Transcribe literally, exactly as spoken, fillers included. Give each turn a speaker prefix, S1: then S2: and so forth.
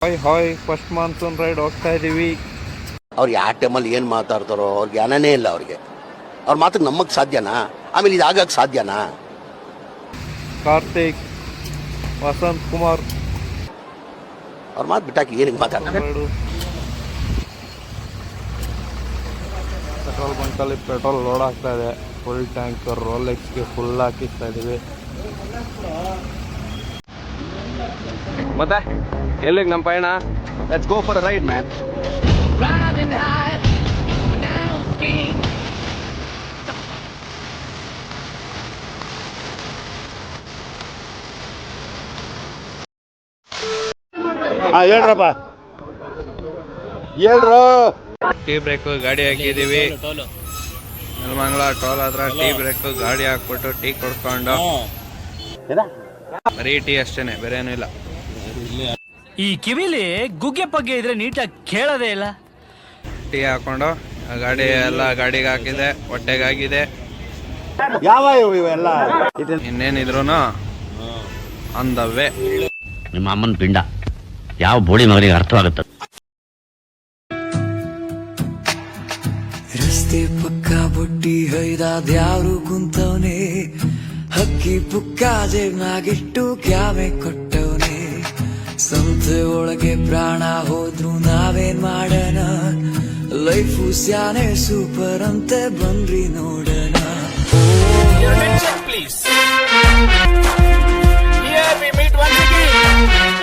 S1: Hi hi first monsoon ride ಹೋಗ್ತಾ ಇದೀವಿ.
S2: ಅವ್ರು ಯಾವ ಟೈಮಲ್ಲಿ ಏನು ಮಾತಾಡ್ತಾರೋ ಅವ್ರಿಗೆ ಜ್ಞಾನನೇ ಇಲ್ಲ. ಅವ್ರಿಗೆ ಅವ್ರ ಮಾತಿಗೆ ನಮ್ಮಕ್ಕೆ ಸಾಧ್ಯನಾ? ಆಮೇಲೆ ಇದು ಆಗಕ್ಕೆ ಸಾಧ್ಯನಾ?
S1: ಕಾರ್ತಿಕ್, ವಸಂತ್ ಕುಮಾರ್
S2: ಅವ್ರ ಮಾತು ಬಿಟ್ಟಾಕಿ ಏನಕ್ಕೆ ಮಾತಾಡ್ತಾರೆ?
S1: ಪೆಟ್ರೋಲ್ ಬಂಕಲ್ಲಿ ಪೆಟ್ರೋಲ್ ಲೋಡ್ ಆಗ್ತಾ ಇದೆ. ಫುಲ್ ಟ್ಯಾಂಕರ್ ರೋಲೆಕ್ಸ್ಗೆ ಫುಲ್ ಹಾಕಿಸ್ತಾ ಇದೀವಿ. ಮತ್ತೆ ಎಲ್ಲಿಗೆ ನಮ್ಮ ಪಯಣ?
S2: Let's go for a ride man. ಹಾಂ ಹೇಳ್ರಪ್ಪ, ಹೇಳ್ರು.
S1: ಟೀ ಬ್ರೇಕ್ ಗಾಡಿ ಹಾಕಿದೀವಿ. ನೆಲಮಂಗಲ ಟೋಲ್ ಹತ್ರ ಟೀ ಬ್ರೇಕ್ ಗಾಡಿ ಹಾಕ್ಬಿಟ್ಟು ಟೀ ಕೊಡ್ಕೊಂಡು ಬರೀ ಟೀ ಅಷ್ಟೇನೆ, ಬೇರೆ ಏನೂ ಇಲ್ಲ.
S3: ಈ ಕಿವಿಲಿ ಗುಗ್ಗೆ ಪಗ್ಗೆ ಇದ್ರೆ ನೀಟಾಗಿ ಕೇಳೋದೇ ಇಲ್ಲ.
S1: ಟೀ ಹಾಕೊಂಡು ಗಾಡಿ ಎಲ್ಲ ಗಾಡಿಗೆ ಹಾಕಿದೆ, ಹೊಟ್ಟೆಗಾಗಿದೆ.
S2: ಯಾವ ಇವೆಲ್ಲ
S1: ಇನ್ನೇನಿದ್ರು ಆನ್ ದ ವೇ.
S4: ನಿಮ್ಮ ಅಮ್ಮನ ಪಿಂಡ ಯಾವ ಬೋಳಿ ಮಗನಿಗೆ ಅರ್ಥವಾಗುತ್ತೆ?
S5: ರಸ್ತೆ ಪಕ್ಕ ಬೊಟ್ಟಿ ಹೊಯ್ದಾದ್ಯಾರು ಕುಂತವನೆ, ಹಕ್ಕಿ ಪುಕ್ಕ ಜೇಬ್ನಾಗಿಟ್ಟು ಕ್ಯಾಮೆ ಕೊಟ್ಟವನೆ. ಸಂತೆ ಒಳಗೆ ಪ್ರಾಣ ಹೋದ್ರು ನಾವೇನ್ ಮಾಡೋಣ? ಲೈಫು ಸ್ಯಾನೆ ಸೂಪರ್ ಅಂತೆ, ಬನ್ರಿ ನೋಡೋಣ.